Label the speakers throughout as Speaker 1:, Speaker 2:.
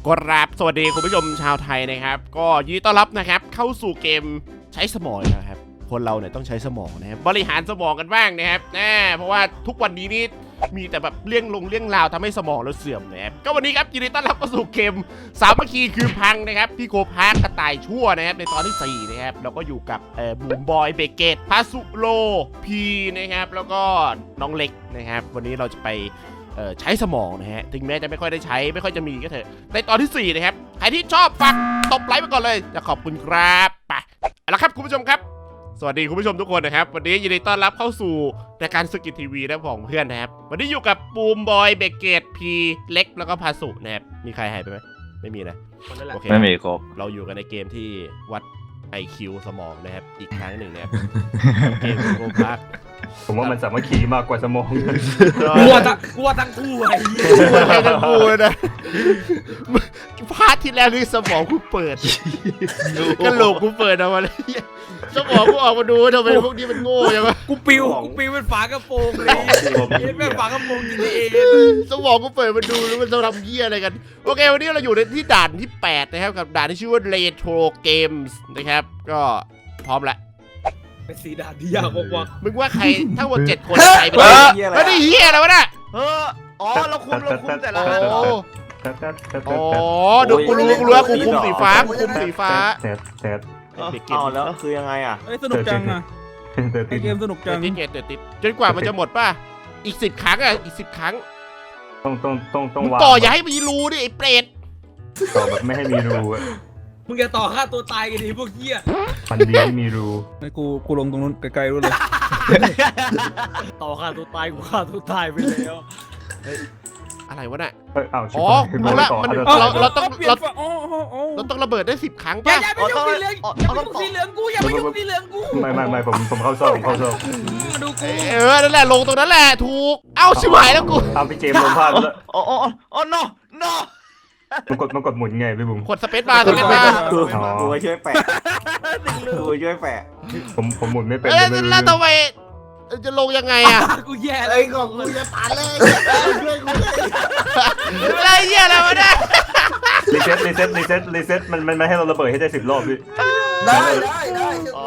Speaker 1: กราบสวัสดีคุณผู้ชมชาวไทยนะครับก็ยินดีต้อนรับนะครับเข้าสู่เกมใช้สมองนะครับคนเราเนี่ยต้องใช้สมองนะครับบริหารสมองกันบ้างนะครับเพราะว่าทุกวันนี้นี่มีแต่แบบเรื่องราวทำให้สมองเราเสื่อมนะครับก็วันนี้ครับยินดีต้อนรับเข้าสู่เกมสามัคคีคือพังนะครับพี่โคพาร์กกระต่ายชั่วนะครับในตอนที่4นะครับเราก็อยู่กับบูมบอยเบเกตพาสุโลพีนะครับแล้วก็น้องเล็กนะครับวันนี้เราจะไปใช้สมองนะฮะถึงแม้จะไม่ค่อยได้ใช้ไม่ค่อยจะมีก็เถอะในตอนที่4นะครับใครที่ชอบฝากตบไลค์ไปก่อนเลยจะขอบคุณครับไปเอาละครับคุณผู้ชมครับสวัสดีคุณผู้ชมทุกคนนะครับวันนี้ยินดีต้อนรับเข้าสู่รายการสกิททีวีนะของเพื่อนนะครับวันนี้อยู่กับบูมบอยเบเกตพีเล็กแล้วก็พาสุนะครับมีใครหายไปไหมไม่มีนะโอเค
Speaker 2: ไม่มีครบ
Speaker 1: เราอยู่กันในเกมที่วัด IQ สมองนะครับอีกครั้งหนึ่งนะครับเกมโกพาร์ค
Speaker 3: ผมว่ามันสามัคคีมากกว่าสมอง
Speaker 4: กลัวทั้งคู่ไอ้
Speaker 1: ใครจะพูดนะพาร์ทที่แล้วนี่สมองกูเปิดกระโหลกกูเปิดออกมาเลยสมองกูออกมาดูทำไมพวกนี้มันโง่ยังวะ
Speaker 4: กูปิวเป็นฝากระโปรงเลยเป็นฝากระโปรงจริงเอง
Speaker 1: สมองกูเปิดมาดูแล้วมันจะทำเหี้ยอะไรกันโอเควันนี้เราอยู่ในที่ด่านที่8นะครับกับด่านที่ชื่อว่า Retro Games นะครับก็พร้อมละ
Speaker 4: เป็นสีดาที่ยากกว่า
Speaker 1: มึงว่าใครทั้งหมด7คนใครเป็นแล้วนี่เหี้ยอะไรวะน่ะ
Speaker 2: อ๋อเราคุมแต่ละ
Speaker 1: โอ้ดูกูรู้ว่ากูคุมสีฟ้ากูคุมสีฟ้า
Speaker 3: แซด
Speaker 2: อ๋อแล้วคือยังไงอ่ะ
Speaker 4: เอ้ยสนุกจังอ่ะไอเกมสนุกจัง
Speaker 1: ติดจนกว่ามันจะหมดป่ะอีก10 ครั้งอ่ะอีก10 ครั้ง
Speaker 3: ต้อง
Speaker 1: มึง
Speaker 3: วาง
Speaker 1: ต่ออย่าให้มีรูดิไอ้เปรต
Speaker 3: ต่อแบบไม่ให้มีรูอะ
Speaker 4: มึงจะต่อฆ่าตัวตายกันดิพวกเหี้ย
Speaker 3: มันดีให้มีรู
Speaker 5: ไอ้กูลงตรงนู้นไกลๆรู้เลย
Speaker 4: ต่อฆ่าตัวตายกูฆ่าตัวตายไปแล้ว
Speaker 1: อะไรวะน่ะ
Speaker 3: อ้าว
Speaker 1: อ๋อรู้ละมันเราต้องระเบิดได้10 ครั้ง
Speaker 4: อย่า
Speaker 1: ป่ะ
Speaker 4: ไปยุ่งสีเหลืองอย่าไปยุ่งสีเหลืองกูอย่าไปยุ่งสีเหลืองกู
Speaker 3: ไม่ผมเข้าซ่อม
Speaker 4: มาดูกู
Speaker 1: นั่นแหละลงตรงนั้นแหละถูกเอ้าชิบหายแล้วกู
Speaker 3: เอาพี่เจมส์ลงพลาดแล้ว
Speaker 2: อ๋อ no
Speaker 3: มันกดหมุนไงพี่บุ๋ม
Speaker 1: กดสเปซบาร์
Speaker 2: กูช่วยแปะกูช่วยแปะ
Speaker 3: ผมหมุนไม่เป็น
Speaker 1: แล้วทำไมจะลงยังไงอ่ะ
Speaker 4: กูแย่เล
Speaker 2: ไอ้
Speaker 4: ย
Speaker 2: ของกูจะผ่านเลยช่วยกู
Speaker 1: อะไรเหี้ยอะไรวะเนี่ย
Speaker 3: รีเซ็ตมันให้เราระเบิดให้ได้10 รอบพี่
Speaker 2: ได้อ๋อ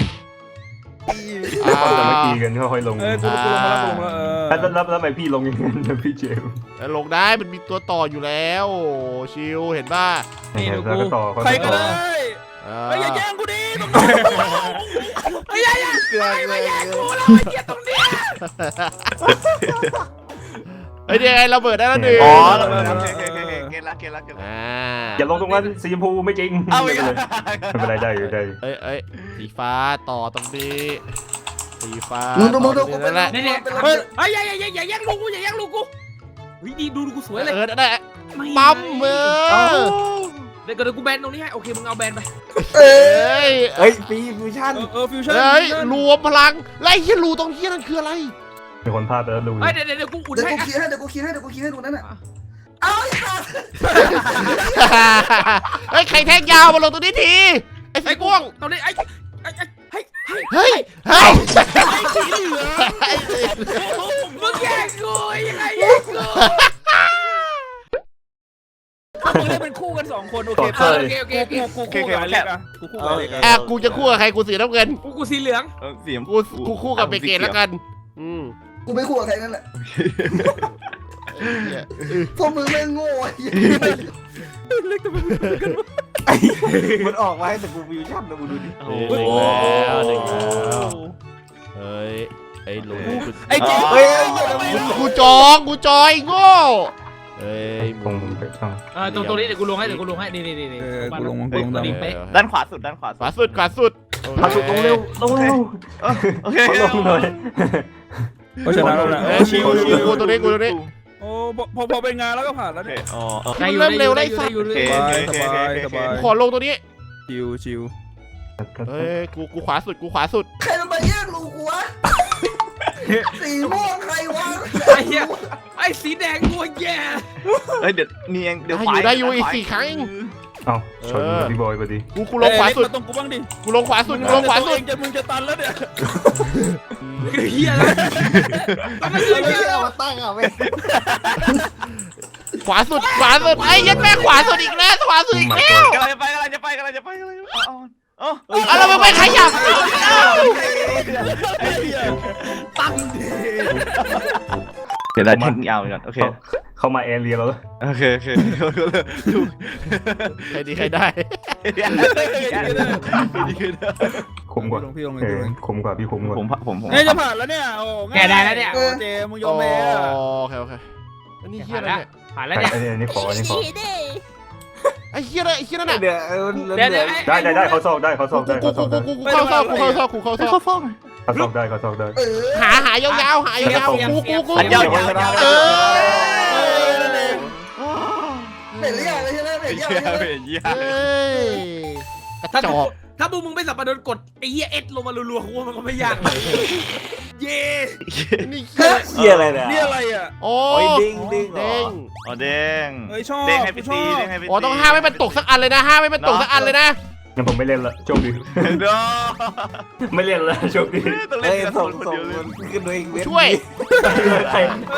Speaker 3: ความสามัคคีกันค่อยๆลง
Speaker 5: กูลงมาแล้ว
Speaker 3: แล้วทำไมพี่ลงอย่างนั้นพี่เจมส์
Speaker 1: ลงได้มันมีตัวต่ออยู่แล้วชิลเห็นป่ะ
Speaker 3: แล้วก็ต่อ
Speaker 5: ใครก็ได้
Speaker 1: ไอ้
Speaker 5: อย่าแย่งกูดิ
Speaker 4: ไอ้ยัย
Speaker 2: เกลือ
Speaker 4: ไม่แย่กูแล้วไอ้เหี้ยตรงนี้
Speaker 1: เฮ้ยยังไงระเบิดได้แล้วหนึ่ง
Speaker 2: อ๋อเกล้า
Speaker 3: อย่าลงตรงนั้นสีชมพูไม่จริง
Speaker 2: เอาไป
Speaker 3: ไม่เป็นไรได้อยู่ได้
Speaker 1: เอ้ยสีฟ้าต่อตรงนี้สีฟ้า
Speaker 2: มึง
Speaker 1: นั่นแหละ
Speaker 4: เนี่ยเฮ้ยอย่าแย่งลูกกูอย่าแย่งลูกกูวิดีดูกูสวยเลย
Speaker 1: นั่นแหละปั๊ม
Speaker 4: เดี๋ยวกูแบนตรงนี้ให้โอเคมึงเอาแบนไป
Speaker 1: เอ้ย
Speaker 2: ฟิวชั่น
Speaker 5: ฟิวชั่น
Speaker 1: เฮ้ยรวมพลังไล่เฮียรูตรงเฮียนั่นคืออะไร
Speaker 3: มีคนพลาดไปแล้วรู้
Speaker 4: เฮ้ยเดี๋ยวกูอุ่น
Speaker 6: เดี๋ยว
Speaker 4: ให้
Speaker 6: กูคิดให้ตรงนั้นอ่ะ
Speaker 1: เฮ้ยใครแทงยาวมาลงตรงนี้ทีไอ้สีม่วง
Speaker 4: ตรงนี้ไอ้
Speaker 1: เฮ้ย
Speaker 4: สีเหลืองมึงแย่งกูยังไงแย่งกู
Speaker 5: มึงเล่นเป็นคู่กัน2 คนโอเค
Speaker 4: โอเค
Speaker 5: กูคู่กับเล็กอ่ะกูคู่กับเล็กอ่ะ
Speaker 1: กูจะคู่กับใครกูสีน้ำเงิน
Speaker 4: กูสีเหลือง
Speaker 2: เสียง
Speaker 1: กูคู่กับเบเกตแล้วกัน
Speaker 6: กูไม่คู่กับใครนั่นแหละพวกมึงไม่โง่ไอ้
Speaker 5: เล็กแต่มัน
Speaker 2: มันออกมาให้แต่กูฟิวชั่นนะมึงดูดิ
Speaker 1: หนึ่งแล้วเฮ้ยไอ้ลุง
Speaker 5: ไอ้เจ๊
Speaker 1: กูจอยโง่เฮ้ย
Speaker 3: ผมไปช่อง
Speaker 4: ตรงนี้เดี๋ยวกูลงให้นี่
Speaker 5: กูลง
Speaker 4: เป๊ะ
Speaker 2: ด้านขวาสุด
Speaker 1: ขวาสุด
Speaker 3: พาสุดลงเร็ว
Speaker 2: โอเค
Speaker 3: เขาลงเลย
Speaker 5: เพราะฉะนั้นแล้วนะ
Speaker 1: ชิวกูตรงนี้
Speaker 5: โอ้พอเป็นงานแล้วก็ผ่านแล้วเนี่ย
Speaker 2: อ๋อ
Speaker 1: เริ่มเร็วได้สัก
Speaker 5: สบาย
Speaker 1: ขอลงตัวนี้
Speaker 5: ชิว
Speaker 1: เฮ้ยกูขวาสุด
Speaker 6: ใครมันมาแย่งลูกกูวะสีม่วงใครวะ
Speaker 4: ไอ้เหี้ยไอ้สีแดงกูแย่
Speaker 2: เฮ้ยเดี๋ยวนี่เองเดี๋ยว
Speaker 1: ได้อยู่อีก4 ครั้ง
Speaker 3: เอ้าชนพี่บอยพอดี
Speaker 1: กูลงขวาสุด
Speaker 5: ตรงกูบ้างดิ
Speaker 1: กูลงขวาสุด
Speaker 5: มึงจะตันแล้วเนี่ย
Speaker 4: เหี้ยแล้ว
Speaker 2: ไม่เอามาตั้งอ่ะเว้ย
Speaker 1: ขวาสุดไอ้ยัดแม่ขวาสุดอีกแล้วขวาสุดอีกแล้ว
Speaker 4: กำลังจะไป
Speaker 1: เอาแล้วมึงไม่ขยับ
Speaker 4: ตั้ง
Speaker 3: เดี๋ยวได้ทิ้งยาวก่อนโอเคเข้ามาแอเรียแล้วโอเค
Speaker 1: ใครดีใครได้
Speaker 3: คุ้มกว่า
Speaker 5: ลงพี่ลง
Speaker 3: คุ้มกว่าพี่คุ้มกว่าผม
Speaker 5: เนี่ยจะผ่านแล้วเนี่ยโอ้ง่ายเจมึงยอมแพ้
Speaker 1: โอเคอันนี้เฮียอะไรเนี่ย
Speaker 4: ผ่านแล้วเนี่ย
Speaker 3: อันนี้ขอ
Speaker 1: ไอ้เฮียอะไรไอ้เฮียนั่นน่ะ
Speaker 2: เดี๋ยว
Speaker 3: ได้เขาซอกได้เขาซอกได้
Speaker 1: กูเข้าซอกได้หายาวๆกู
Speaker 6: เห็นหรือยังเลยใช่ไหมเห็นยังใช่ไหม
Speaker 1: กระจอก
Speaker 4: ถ้ามึงไม่สับปะรดกดไอ้เหี้ยเอสลงมารัวๆกูว่ามันก็ไม่ยากเย่
Speaker 1: นี่
Speaker 2: เฮียอะไรเนี่ย
Speaker 5: นี่อะไรอ่ะ
Speaker 1: โอ้
Speaker 2: ดิ้ง
Speaker 1: เด้ง
Speaker 3: อ๋อเด้ง
Speaker 5: เฮ้ยชอบ
Speaker 3: เด้งให้พี่ตีเด้งให้พี่ตี
Speaker 1: อ๋อต้องห้ามให้มันตกสักอันเลยนะห้ามให้มันตกสักอันเลยนะ
Speaker 3: งั้นผมไม่เล่นละโชคดีไม่เล่นละโชคดี
Speaker 2: เฮ้ยส่งขึ้นด้วยอีกเว็บ
Speaker 1: ช่วย
Speaker 3: ใคร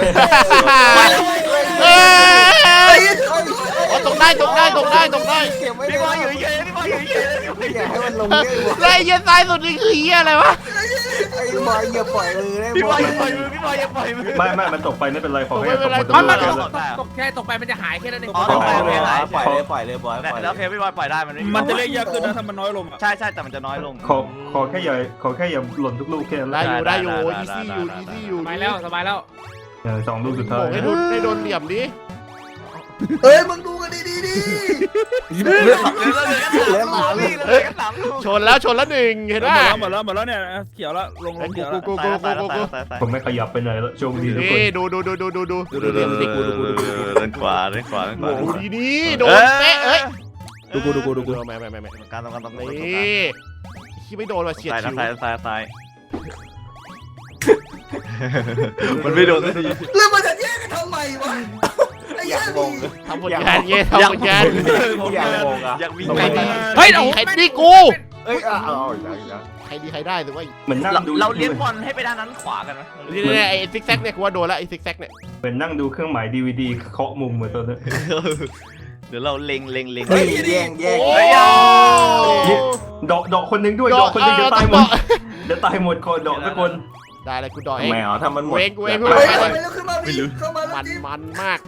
Speaker 1: เอ้ยตกได้
Speaker 2: เก็บไว้
Speaker 3: พี่บอยอยู่เฉยพี่บอยอยู่เฉย
Speaker 2: อย่าให้มันลงได้หมด
Speaker 1: ไอ้เหี้ยซ้ายสุดนี่คือเหี้ยอะไรวะ
Speaker 2: ไอ้บอยอย่าปล่อยมือได้
Speaker 3: พี่
Speaker 2: ห
Speaker 3: บ
Speaker 2: ม
Speaker 3: อย
Speaker 2: ด
Speaker 3: อย่าปล่อยมือพี่บอยอย่าปล่อยมือไม่มันตกไปไม่เป็นไรขอให้ตก
Speaker 4: มันตกแค่ตกไปมันจะหายแค่นั้นเอง
Speaker 2: ปล่อยเลยบอย
Speaker 3: แล้วเพพี่บอยปล่อยได้มันไม่
Speaker 5: มันจะเล่นยากขึ้นนะถ้ามันน้อยลงอ่ะ
Speaker 3: ใช่แต่มันจะน้อยลงขอแค่อย่าหล่นทุกลูกแค่นั้น
Speaker 1: ได้อยู่อีซี่อยู่
Speaker 4: สบายแล้ว
Speaker 3: 2 ลูกสุดท้า
Speaker 1: โอ้
Speaker 3: ย
Speaker 1: ให้โดนเหลี่ยมดิ
Speaker 6: เฮ้ยมึงดูกันดีดิ
Speaker 1: ชนแล้วหนึ่งเห็นป่ะ
Speaker 5: หมดแล้วเนี่ยเขียวแล้วลงเขียวแล้ว
Speaker 1: กู
Speaker 3: ผมไม่ขยับไปไหนแล้วโชคดีทุกคน
Speaker 1: นี่ดูเหลี่ยมดิกู
Speaker 3: เล่นขวา
Speaker 1: ดูดีโดนเป๊ะเอ้ย
Speaker 5: ดูไม่
Speaker 3: การต้อง
Speaker 1: นี่ที่ไม่โดนว่ะเฉียดฉิว
Speaker 3: ซ้ายมันไม่โดนสักที
Speaker 6: แล้วมันจะแยกกันทำไมวะไอ้เหี้ยมึง
Speaker 1: ทำผลงานทำผลงาน
Speaker 3: อยากมี
Speaker 1: เฮ้ยใครนี่กู
Speaker 2: เอ้ย
Speaker 1: ใครดีใครได้หรือว่า
Speaker 3: เหมือนนั่งดูเราเลี้ยงบอลให้ไปด้านนั้นขวากันไหม
Speaker 1: นี่ไอ้ซิกแซกเนี่ยกูว่าโดนแล้วไอ้ซิกแซกเนี่ย
Speaker 3: เหมือนนั่งดูเครื่องหมาย DVD เคาะมุมเหมือนตอนนั้นเดี๋ยวเราเล็ง
Speaker 2: เฮ้ยแย่ง
Speaker 3: ดอกคนนึงด้วยดอกคนนึงเดี๋ยวตายหมดเดี๋ยวตายหมดคนดอกทุกคน
Speaker 1: ได้เลยกูดอกเอง
Speaker 2: แมวถ้ามันหมด
Speaker 1: เวง
Speaker 6: เฮ้ยขึ้นมาพี่เข้ามาแล้ว
Speaker 1: มันมาก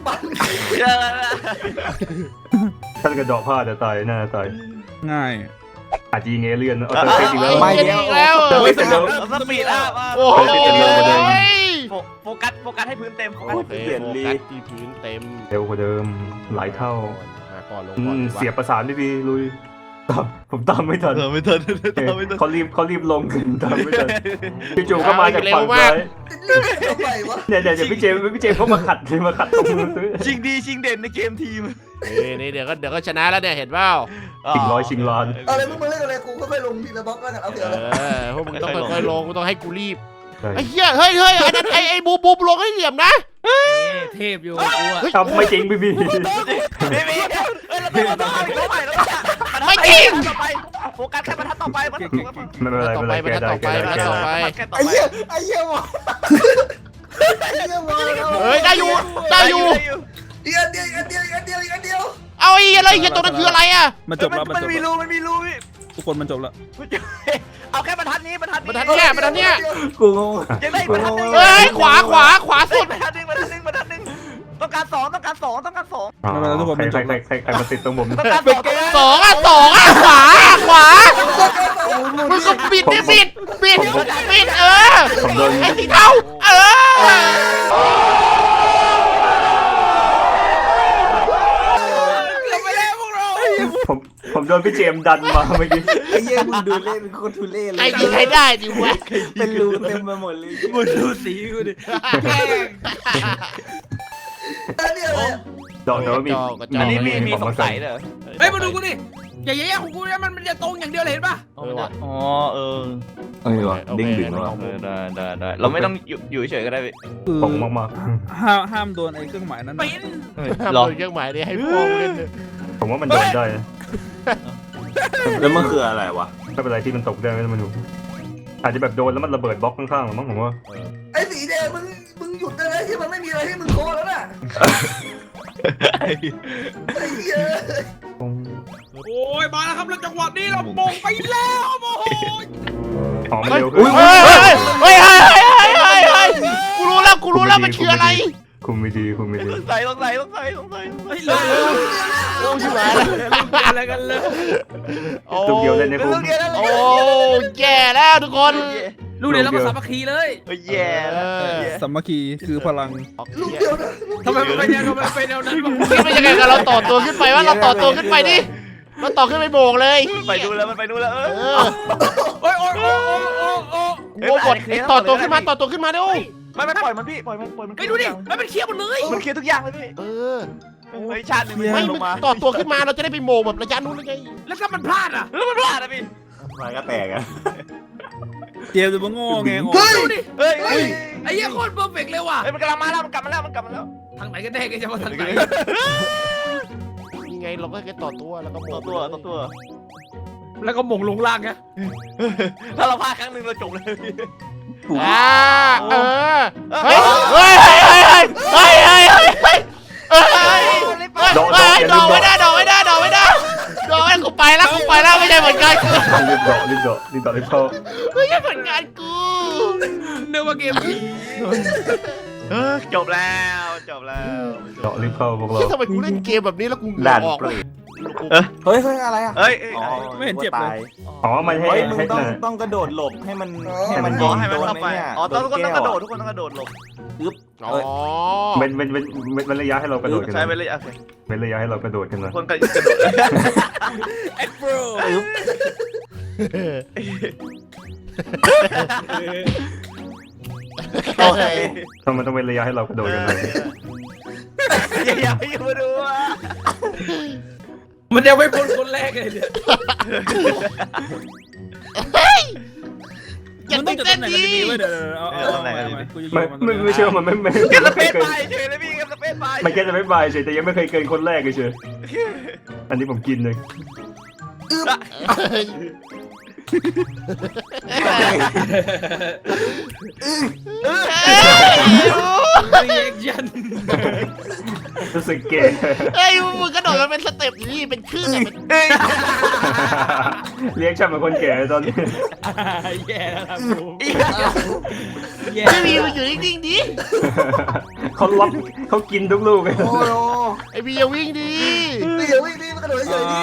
Speaker 3: ถ้ากระดอกผ้าจะตายน่าตาย
Speaker 5: ง่าย
Speaker 3: อาจจะยิงเอเลี่ยนเอา
Speaker 1: ไอ้
Speaker 3: จริงแล้ว
Speaker 1: เหี้ยอีกแล้ว
Speaker 3: ไม่เป็นไร
Speaker 4: สปีดอ่ะ
Speaker 1: โอ้โห
Speaker 4: โฟกัสให้พื้นเต็ม
Speaker 1: โอเคโฟกัสที่พื้นเต็ม
Speaker 3: เร็วกว่าเดิมหลายเท่า
Speaker 1: มาก่อนลงก่อน
Speaker 3: เสียบประสานดีๆลุยผมตามไม่ทันเขารีบลงขึ้นตามไม่ทันพี่จูก็มาจากฝั่งซ้าย
Speaker 6: ทำไมวะ
Speaker 3: เดี๋ยวพี่เจมเขามาขัดตรงมือซื้อ
Speaker 4: ชิงดีชิงเด่นในเกมทีม
Speaker 1: นี่เดี๋ยวก็ชนะแล้วเนี่ยเห็นเปล่า
Speaker 3: ชิงร้อยชิงล้าน
Speaker 6: อะไรมึงมาเล่นอะไรกูค่อยๆลงทีละบล็อกแล้วกันเอาเถอะ
Speaker 1: พวกมึงต้องค่อยๆลงกูต้องให้กูรีบไอ้เหี้ยเฮ้ยอันนั้นไอ้บูลงให้เหลี่ยมนะ
Speaker 4: เทพอยู่กูอ่ะ
Speaker 3: ทำไม่จริงพี่
Speaker 4: ไม่จริงโฟกัสแค่บรรทัดต่อไป
Speaker 3: ไม่เป็นไรแกได้
Speaker 2: ไอ้เหี้ยวะ
Speaker 1: เฮ้ยได้อยู่
Speaker 6: อีกอันเดียว
Speaker 1: เอาไอ้อะไรเหี้ยตัวนั้นคืออะไรอ่ะ
Speaker 5: มันจบแล้ว
Speaker 4: มันมีรูพี่
Speaker 5: ทุกคนมันจบแล้ว
Speaker 4: เอาแค่บรรทัดนี้
Speaker 1: บรรทัดเนี่ย
Speaker 2: กูงง
Speaker 4: ยังได้บรรทัดนึง
Speaker 1: เฮ้ยขวาสุด
Speaker 4: บรรทัดนึงต้องการสอง
Speaker 3: ใครมาติดตรงผม
Speaker 4: ต้องการสอง
Speaker 1: สองอ่ะขวามึงก็ปิดไอ้สีเทา
Speaker 3: ผมโดนพี่เจมดันมาเมื่อกี้
Speaker 2: ไอ้เหี้ยมึงดูเล่นโคตรทุเล่เลย
Speaker 1: ไอ้ดีใครได้ดิวะ
Speaker 2: เป็นรูเต็มไปหมดเลย
Speaker 4: มึงดูสีกูดิแกล้ง
Speaker 6: อันนี้อะไร
Speaker 3: ดอกแต่ว่ามี
Speaker 4: อันนี้มีสงสัยเลยเฮ้ยมาดูกูดิอย่าแย่ของกูนะมันจะตรงอย่างเดียวเลยเห็นป่ะ
Speaker 3: อ๋อ
Speaker 2: วะดิ้งดึงวะ
Speaker 3: ได้เราไม่ต้องอยู่เฉยก็ได้ตรงมาก
Speaker 5: ห้ามโดนไอ้เครื่องหมายนั้น
Speaker 4: ปิ้น
Speaker 1: โดนเครื่องหมายนี้ให้พวกเล่น
Speaker 3: ๆผมว่ามันโดนได้
Speaker 2: แล้วมันคืออะไรวะ
Speaker 3: ไม่เป็นไรที่มันตกได้ไม่ต้องมาดูอาจจะแบบโดนแล้วมันระเบิดบล็อกข้างๆหรือมั้งผมว่า
Speaker 6: ไอ้สีแดงมึงหยุดได้แล้วที่มันไม่มีอะไรให้มึงโคแล้วน่ะไอ้เหี้ย
Speaker 4: โอ้ยมาแล้วครับแล้วจังหวะนี้เรามงไปแล้วโอ้โห
Speaker 3: อ๋อมัน
Speaker 1: เฮ้ย
Speaker 3: เร็วขึ้น
Speaker 1: เฮ้ยเฮ้ยเฮ้ยกูรู้แล้วมันคืออะไร
Speaker 3: คุมไม่ดีคุมไม่ดี
Speaker 2: ต้องใส่
Speaker 4: เฮ้ยเร็วชิบหายแล้วอะไรกันเลย
Speaker 3: ลูกเดียวเล่นในคุม
Speaker 1: โอ้แย่แล้วทุกคน
Speaker 4: ลูกเดียวแล้วมาสามัคคีเลย
Speaker 2: แย่แล้ว
Speaker 5: สามัคคีคือพลัง
Speaker 6: ลูกเดียวนะ
Speaker 4: ทำไมมันเป็นแนวนั้น
Speaker 1: คิดว่ายังไงกันเราต่อตัวขึ้นไปว่าเราต่อตัวขึ้นไปดิเราต่อขึ้นไปโบกเลย
Speaker 2: ไปดูแล้วมันไปดูแล้ว
Speaker 4: โอ้ยโอ้ยโอ้ยโอ้
Speaker 1: โอ้กดต่อตัวขึ้นมาดิโอ้
Speaker 2: ไม่ปล่อยมันพี่ปล่อยมัน
Speaker 4: ไปดูดิมันเคลียร์หมดเลย
Speaker 2: มันเคลียร์ทุกอย่างเลยพี่
Speaker 1: เออ
Speaker 2: เฮ้ยชาติหนึ่ง
Speaker 1: ไม่
Speaker 2: มันลงมา
Speaker 1: ต่อตัวขึ้นมาเราจะได้ไปโบกแบบระยะนู้นเลยไง
Speaker 4: แล้วถ้ามันพลาดอ่ะ
Speaker 2: แล้วมันพลาดนะพี่มันก็แตกอ่ะ
Speaker 5: เจมส์จะมาโง่ไง
Speaker 6: เฮ้ย
Speaker 4: ดูดิ
Speaker 2: เฮ้ย
Speaker 4: ไอ้เหี้ยโคตรเพอร์เฟกต์เลยว่ะ
Speaker 2: มันกำลังมาแล้วมันกลับมาแล้วมันกลับมาแล้ว
Speaker 4: ทางไหนกันแน่กันจะมาทางไหน
Speaker 1: นี่ไงเราก็แค่ต่อตัวแล้วก็โบ
Speaker 2: ตัว
Speaker 1: ก
Speaker 2: ตัว
Speaker 4: แล้วก็มงลงล่างไง
Speaker 2: ถ้าเราพลาดครั้งหนึ่งเราจบเลยพี่
Speaker 1: เออเฮ้ยดอกไม่ได้กูไปแล้วไม่ใช่ผลงานกู
Speaker 3: รีบเข้า
Speaker 1: ไม่ใช่ผลงานกู
Speaker 4: เนื้อว่าเกมนี้
Speaker 2: จบแล้วจบแล้ว
Speaker 3: รีบเข้าพวกเรา
Speaker 1: ที่ทำไมกูเล่นเกมแบบนี้แล้วกู
Speaker 3: ด่าน
Speaker 1: ออก
Speaker 3: เปรต
Speaker 2: เฮ้ยอะไรอ่ะเฮ้ย
Speaker 5: ไม่เห็นเจ็บเลย
Speaker 3: อ๋อมันให้
Speaker 2: เฮ้ยมึง
Speaker 3: ให้
Speaker 2: ต้องกระโดดหลบให้มัน
Speaker 3: ให้มัน
Speaker 2: ให้มันเข้าไปอ๋อทุกคนต้องกระโดดทุกคนต้องกระโดดหลบ
Speaker 1: อ๋อ
Speaker 3: เป็นระยะให้เรากระโดดกัน
Speaker 2: ใช้ไปเลยโอเค
Speaker 3: เป็นระยะให้เรากระโดดกันนะ
Speaker 2: คนกระโดด
Speaker 4: เอ็กโปร
Speaker 2: โอเค
Speaker 3: ทำไมต้องเป็นระยะให้เรากระโดดกันนะ
Speaker 2: อย่าไปมาดูอ่ะ
Speaker 4: มันยังไม่พ้นคนแรกเลยเนี่ย
Speaker 1: อย่า
Speaker 5: มันต้
Speaker 1: ตื่
Speaker 5: อง
Speaker 1: น
Speaker 5: จัด
Speaker 1: เต้น
Speaker 5: ตำแหน่งกัน
Speaker 1: ดี
Speaker 5: ดีๆเว้ยเดี๋ยวเอากูจะยิงมัน
Speaker 3: ไม่เชื่อมันไม่
Speaker 2: เก็บสเปซไปเฉยเลยพี่เก็บสเปซไป
Speaker 3: มันแค่จะไม่บายเฉยแต่ยังไม่เคยเกินคนแรกเฉยอันนี้ผมกินเลย
Speaker 4: รีแอคชั่น
Speaker 3: รู้สึกเก๋
Speaker 1: เฮ้ยมึงกระโดดมันเป็นสเต็ปนี่เป็นคลื่น
Speaker 3: เรียกฉันเป็นคนแก่ตอนนี้
Speaker 4: แย่แล้วครับผมแย่
Speaker 1: ไม่มีมันอยู่นิ่งๆดิ
Speaker 3: เขาล็อกเขากินทุกลูกเลย
Speaker 6: โอ้โห
Speaker 1: ไอพี่อย่าวิ่งดิ
Speaker 6: นี่อย่าวิ่งนี่มันกระโดดเฉยๆนี่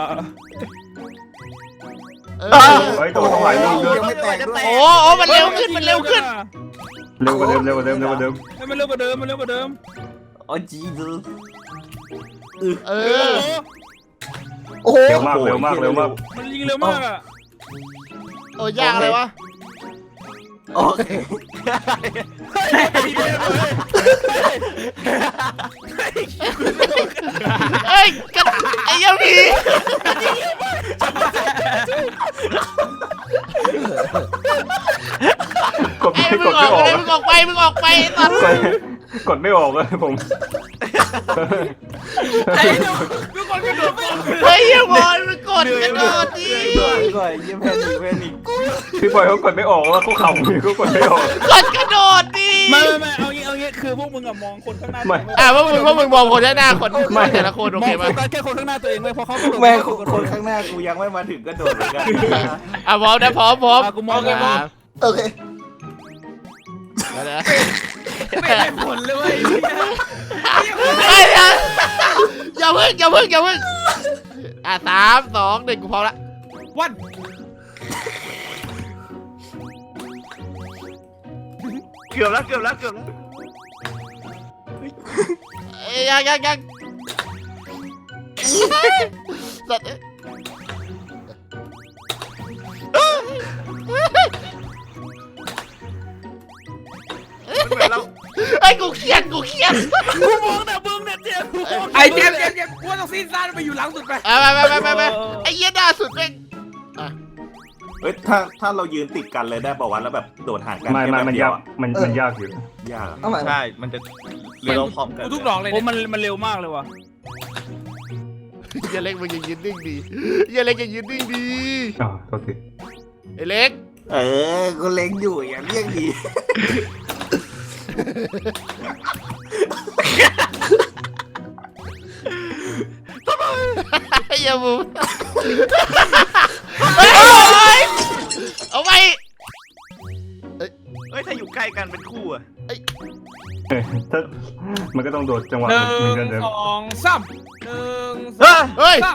Speaker 3: เฮ้ยตัวต้องหลายลูกด้วย
Speaker 6: ยังไม่แตกด้วย
Speaker 1: โอ้มันเร็วขึ้น
Speaker 3: เร็วกว่าเดิม
Speaker 5: ให้มันเร็วกว่าเดิมมันเร็วกว่าเดิม
Speaker 2: อ๋อจีดู
Speaker 1: เออ
Speaker 6: โอ้โห
Speaker 3: เร็วมาก
Speaker 5: มันยิงเร็วมากอ่ะ
Speaker 1: โอ้ยากอะไรวะ
Speaker 2: โอเค
Speaker 1: เอ้ยกันไอ้ยังพี่
Speaker 3: กด
Speaker 1: ไอ้
Speaker 3: ไม่
Speaker 1: มึ
Speaker 3: ก
Speaker 1: ง
Speaker 3: ด
Speaker 1: อ
Speaker 3: ไม่
Speaker 1: อก
Speaker 3: ออก
Speaker 1: ไปมึงออกไปตอน
Speaker 3: กดไม่ออกเลยผม
Speaker 4: ไอ้เดี๋ยวทุกคนกระโดด
Speaker 1: เฮ้ยอย่าบอลมันกดกระโดดดิ
Speaker 2: ก่อนยิ้มแพนิก
Speaker 3: พี่บอยเขากดไม่ออกว่าเขาขำเขากดไม่ออก
Speaker 1: กดกระโดดดิ
Speaker 5: ไม่เอางี้คือพวกมึงอะมองคนข้างหน้า
Speaker 1: ว่ามึงมองคนหน้าคนแต่ละคนโอ
Speaker 5: มอ
Speaker 1: เค
Speaker 5: ง
Speaker 1: ไหม
Speaker 5: โฟกัสแค่คนข้างหน้าตัวเองเลยพอเขากระโดด
Speaker 2: แม่คนข้างหน้ากูยังไม่มาถึงกระโดดเหมือนกัน
Speaker 1: พร้อมนะพร้อม
Speaker 5: กูมองไงมอง
Speaker 6: โอเค
Speaker 4: ไม่ได้ผลเลยเว้ย
Speaker 1: อย่าเพิ่ง3 2 1กูพร้อมละ
Speaker 4: วัน
Speaker 2: เกือบแล้ว
Speaker 1: ยังสัตว์
Speaker 2: เหมือนเรา
Speaker 1: ไอ้กูเครียด
Speaker 4: กูมองแต่มึงเนี่ยเจ็บไอ้เจ็บกูต้องซีนซ่าไปอยู่หลังสุดไป
Speaker 1: ไปไอ้เหี้ยด่าสุดแม่ง
Speaker 2: เฮ้ยถ้าเรายืนติดกันเลยได้ป่าวะแล้วแบบโดดห่างกัน
Speaker 3: มันยากมันยากอยู่
Speaker 2: ยาก
Speaker 6: เอาใหม่
Speaker 2: ใช่มันจะเร็วพร้อมกัน
Speaker 4: กูทุกดอกเลย
Speaker 5: โอ้มันเร็วมากเลยว่ะ
Speaker 1: อย่าเล็กมึงยังยืนนิ่งดีอย่าเล็กยังยืนนิ่งดี
Speaker 3: อ๋อโทษที
Speaker 1: ไอ้เล็ก
Speaker 2: กูเล็งอยู่อย่างเรียกดี
Speaker 1: อย่าบูเฮ้ยเอาไป
Speaker 4: เฮ้ยถ้าอยู่ใกล้กันเป็นคู่อะ
Speaker 3: ถ้ามันก็ต้องโดดจังหวะ
Speaker 5: ห
Speaker 3: เหมือนกัน
Speaker 5: นึ่ง
Speaker 3: เดิม
Speaker 5: สองสามหนึ่งส
Speaker 1: เฮ้ย
Speaker 5: าม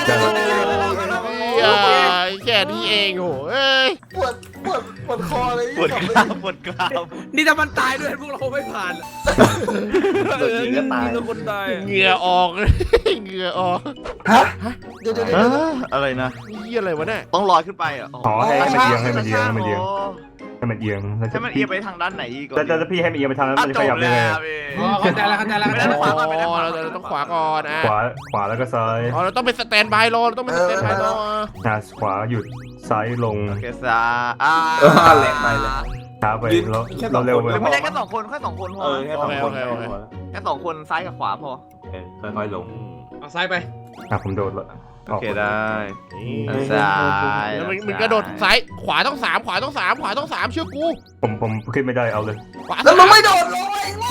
Speaker 1: แค่นี้เองโหเอ้ย
Speaker 6: ปวดคอเลย
Speaker 4: ปวดกรามปวดกราม
Speaker 5: นี่ถ้ามันตายด้วยพวกเราไม่ผ่าน
Speaker 2: โดนยิงก็ตาย
Speaker 5: มีคนตาย
Speaker 1: เหงื่อออกเหงื่อออก
Speaker 6: ฮะเดี๋ยว
Speaker 4: อะไรนะ
Speaker 1: นี่อะไรวะเนี่ย
Speaker 4: ต้องลอยขึ้นไปอ่ะ
Speaker 3: อ๋อให้มันเอียงให้มันเอียงให้มันเอียงให้มันเอียงแล้ว
Speaker 4: ให้มันเอียงไปทางด้านไหนอีก
Speaker 3: แต่พี่ให้มันเอียงไปทางนั้นมันจะขยับได้ไง
Speaker 5: เข้าใจแล้วเข้าใจแล้วเข้าใจแล้ว
Speaker 1: อ๋อเราต้องขวาก่อนอ่ะ
Speaker 3: ขวาแล้วก็ซ้าย
Speaker 1: อ๋อเราต้องเป็นสแตนบายรอเราต้องเป็นสแตนบายรอ
Speaker 3: ขวาหยุดซ้ายลง
Speaker 4: โอเคซา
Speaker 2: แรงไปเลย
Speaker 3: ช้าไปเราเร็วไป
Speaker 4: ไม่ใช่แค่2 คนแค่2 คนพอ
Speaker 2: แค่สองคน
Speaker 4: แค่2 คนซ้ายกับขวาพอ
Speaker 2: ค่อยๆลง
Speaker 5: เอาซ้ายไป
Speaker 3: ผมโดดละ
Speaker 4: โอเคได้
Speaker 1: นี่
Speaker 4: ซ้าย
Speaker 1: แล้วมึงกระโดดซ้ายขวาต้อง3ขวาต้อง3ขวาต้อง3เชื่อกู
Speaker 3: ผมขึ้นไม่ได้เอาเลย
Speaker 1: ขวา
Speaker 6: แล้วมึงไม่โดดลงไอ้โง่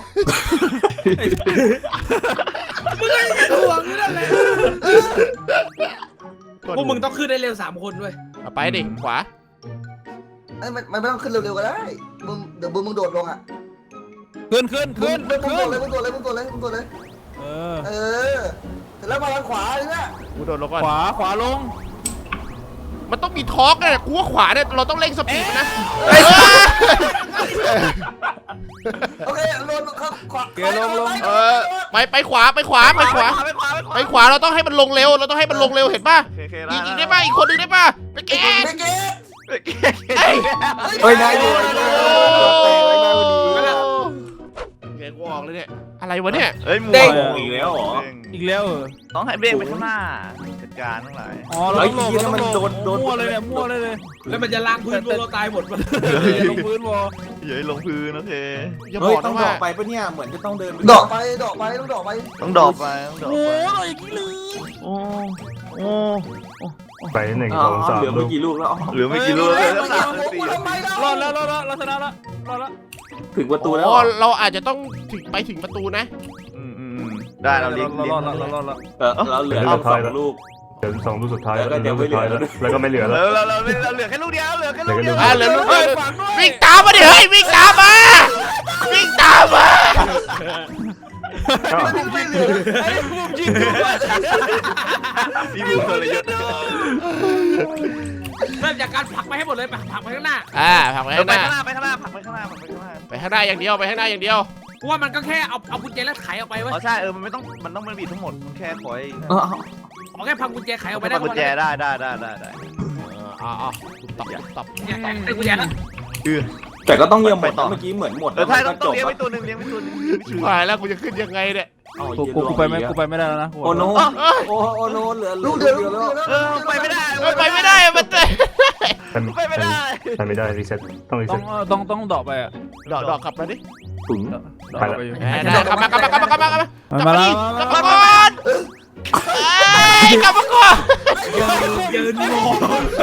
Speaker 5: ห่วงนี่แหละพวกมึงต้องขึ้นได้เร็ว3 คนด้วย
Speaker 1: ไปดิขวา
Speaker 6: ไอ้มันไม่ต้องขึ้นเร็วๆก็ได้มึงเดี๋ยวมึงโดดลงอ่ะ
Speaker 5: ขึ้น
Speaker 6: มึงโดดเลย
Speaker 5: เออ
Speaker 6: เสร็จแล้วมาทางขวาเลยนะ
Speaker 1: กูโดดลงก่อน
Speaker 5: ขวาลง
Speaker 1: มันต้องมีทอร์กเนี่ยกูว่าขวาเนี่ยเราต้องเร่งสปีดนะ
Speaker 6: โอเคลงขวา
Speaker 1: ไปขวาไปขวาเราต้องให้มันลงเร็วเราต้องให้มันลงเร็วเห็นป่ะอีกได้ป่ะอีกคนนึงได้ป่ะไปเกต
Speaker 6: ไม่เก็บ
Speaker 2: เฮ้ยนายโดน
Speaker 1: เกตกูออกเลยเนี่ยอะไรวะเนี่ย
Speaker 4: เฮ้ยหมู
Speaker 2: เด้งอีกแล้วเหรอ
Speaker 5: อีกแล้วเหรอ
Speaker 4: ต้องให้เบ้งไปข้างหน้าจัดการทั้งหลาย
Speaker 5: อ๋อเราต้องลงมั่วเลยเนี่ยมั่วเลยแล้วมันจะล้างพื้นพวกเราตายหมดลงพื้นวอ
Speaker 4: อย่าให้ลงพื้นโอเค
Speaker 1: อย่าบ
Speaker 2: เฮ้ย
Speaker 1: อก
Speaker 2: ต้อ
Speaker 1: นะ
Speaker 2: งด
Speaker 1: ว่า
Speaker 2: อกไปปะเนี่ยเหมือนจะต้องเดิน
Speaker 6: ดอกไปต้องดอกไป
Speaker 4: ต้องดรอปไปต้องดรอป
Speaker 5: โอ้
Speaker 4: ไป
Speaker 5: ยอย่างนี้เลย
Speaker 4: โอ้โอ้
Speaker 3: ไป1
Speaker 2: อ๋อ
Speaker 3: 2 3
Speaker 2: เหลือไม่กี่ลูกแล้ว
Speaker 4: เหลือไม่กี่ลูกเลยแล้ว3 4
Speaker 5: รอดแล้วเราชนะแล้วรอดแล้ว
Speaker 2: ถึงประตูแล้ว
Speaker 1: อ๋อเราอาจจะต้องไปถึงประตูนะ
Speaker 4: ได้เราเลี้ยง
Speaker 5: รอดแล้ว
Speaker 2: เราเหลือ2 ลูก
Speaker 3: เดี๋ยว2 ลูกสุดท้าย
Speaker 2: แล้วก็เดี๋ยวไม่เหลือ
Speaker 3: แล้วก็ไม่เหลือแล้ว
Speaker 4: เราเหลือแค่ลูกเดียวเหลือแค่ลูกเดียว
Speaker 1: เหลือลูกเดียววิ่งตามมาดิเฮ้ยวิ่งตามมาวิ่งตามมา
Speaker 5: ไอ้พวกยิงด้วย
Speaker 4: มีมือคนละเยอะ
Speaker 5: เริ่มจากการผลักไปให้หมดเลยผลักไปข้างหน้า
Speaker 1: ผลักไป
Speaker 4: ไป
Speaker 1: ข้างหน้า
Speaker 4: ข้างหน้าผลักไปข้างหน้า
Speaker 1: ไปข้างหน้าอย่างเดียวไปข้างหน้าอย่างเดียว
Speaker 5: กูว่ามันก็แค่เอากุญแจแล้วไขออกไปเว้ย
Speaker 4: อ๋อใช่มันไม่ต้องมันบีบทั้งหมดแค่คอย
Speaker 5: ขอแค่พังกุญแจไขออกไปได้
Speaker 4: กุญแจได้
Speaker 1: ตบ
Speaker 5: ไอ้กุญแจนะ
Speaker 2: แต่ก็ต้องเยี่ยมหมดเมื่อกี้เหมือนหมด
Speaker 4: ใช่ต้องเลี้ยงไปตัวหนึ่ง
Speaker 1: ชิบหายแล้วกูจะขึ้นยังไงเนี่ย
Speaker 5: กูไปไม่ได้แล้วนะ
Speaker 2: โอโนโอโนเหลือ
Speaker 6: ลูกเดียวแล้ว
Speaker 4: ไปไม่ได้
Speaker 1: ไปไม่ได้มันเตะ
Speaker 4: ไปไม่ได้
Speaker 3: ไม่ได้รีเซ็ตต้องรีเซ็ต
Speaker 5: ต้องดอกไปอ่ะ
Speaker 1: ดอกกลับมาดิ
Speaker 2: ถึง
Speaker 5: ดอกไปอยู่
Speaker 1: ได้กลับมากลับมาก่อนกลับมาก่อน
Speaker 5: กลับมายืนมอง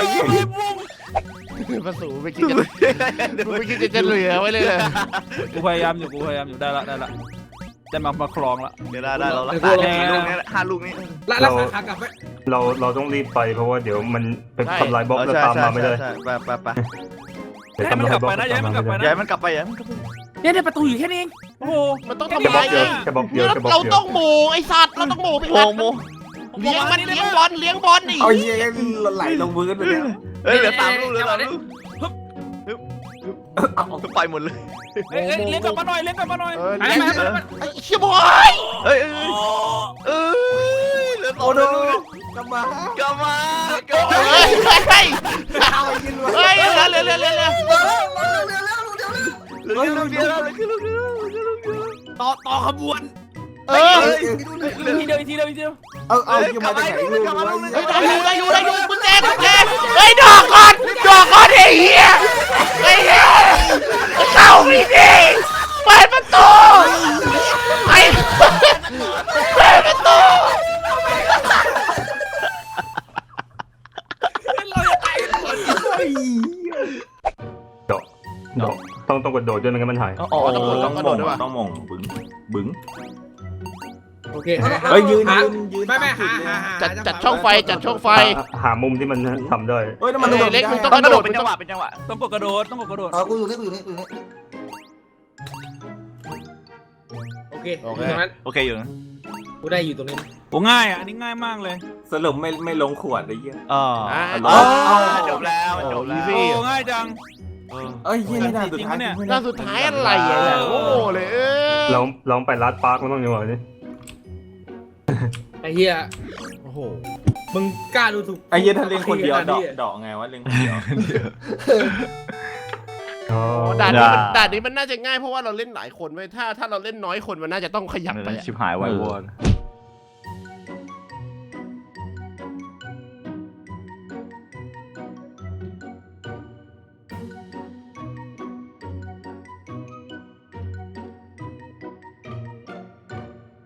Speaker 1: มาสู่ไม่คิดจะเหลือไว้เลย
Speaker 5: กูพยายามอยู่ได้ละได้มาคลองละ
Speaker 4: เดี๋ยวได้เราละกี่ลูกนี้5 ลูกนี้
Speaker 5: แล้วขากลับไป
Speaker 3: เราต้องรีบไปเพราะว่าเดี๋ยวมันเป็นทำลายบล็อกแล้วตามมาไม่ได้
Speaker 4: ไป
Speaker 3: เดี๋ยวทำลายบล็อกตามมาไม่ได้
Speaker 4: ย้ายมันกลับไป
Speaker 5: เนี่ยประตูอยู่แค่นี้เองโอ้โห
Speaker 1: มันต้อง
Speaker 3: แค่
Speaker 1: ทำ
Speaker 3: บล็
Speaker 1: ลา
Speaker 3: อย กเดียวแค่บล็อกเดียวแค่บล็อก
Speaker 1: เรา
Speaker 3: เดียว
Speaker 1: ต้องโมไอสัตว์เราต้องโมไป
Speaker 4: โม
Speaker 1: เลี้ยงมันเลี้ยงบอลนี่
Speaker 2: เอาเยี่ยไหลลงพื้นไปแล้ว
Speaker 4: เหลือ3 ลูกไปหมดเลย
Speaker 5: เลี้ยงกลับมาหน่อย
Speaker 1: ไอ้เชี่ยบอย
Speaker 4: เหลือ
Speaker 2: โอโนกลับมา
Speaker 4: เร็ว ลูกเดียว
Speaker 5: ต่อขบวน ทีเดียว
Speaker 2: เอาอยู่มาจากไหนลูกวะ
Speaker 1: ได้อยู่กุญแจเฮ้ยดอกก่อนไอ้เหี้ยเข้าพี่ดิเปิดประตูเปิดประตู
Speaker 3: ดอกต้องกดโดดด้วยไม่งั้นมันหาย
Speaker 2: ต้องมองบึ้ง
Speaker 1: โอ
Speaker 5: เค
Speaker 2: เฮ้ยยืน
Speaker 5: ไม่หา
Speaker 1: จัดช่องไฟจัดช่องไฟ
Speaker 3: หามุมที่มันทำได้
Speaker 2: เฮ้ยนั่นมันโดด
Speaker 1: เล็กมึง
Speaker 2: ได้
Speaker 1: ต้อง
Speaker 4: ต้อง
Speaker 1: ก
Speaker 4: ก
Speaker 1: ระ
Speaker 4: ระ
Speaker 1: โด
Speaker 4: โด
Speaker 1: ด
Speaker 4: ดเป็นจังหวะต้องกดกระโดดต้องกดกระโดด
Speaker 6: กูอยู่นี่กูอยู่นี่กูอยู่นี่
Speaker 5: โอเคตรงนั้น
Speaker 4: โอเคอยู่นะ
Speaker 5: กูได้อยู่ตรงนี้
Speaker 4: โอ้ง่ายอ่ะอันนี้ง่ายมากเลย
Speaker 2: สรุปไม่ลงขวดไอ้เหี้ย
Speaker 4: อ๋อ
Speaker 2: จบแล้ว
Speaker 4: จบแล้วโอ้ง่ายจัง
Speaker 2: เอ้ยเหี้ยนี่ด่านสุดท้าย
Speaker 1: หน้าสุดท้ายอะไรอ่ะโอ้เลย
Speaker 3: ลองไปรัดปาร์คมันต้องยังไงนี่
Speaker 5: ไอ้เหี้ย
Speaker 1: โอ้โห
Speaker 5: มึงกล้าดูถูก
Speaker 2: ไอ้เหี้ยถ้าเล่นคนเดียวดอกไงวะเล่นคนเดียว
Speaker 3: อ๋อ
Speaker 1: ด่านนี้มันน่าจะง่ายเพราะว่าเราเล่นหลายคนไว้ถ้าเราเล่นน้อยคนมันน่าจะต้องขยับไป
Speaker 4: ชิบหายไววอด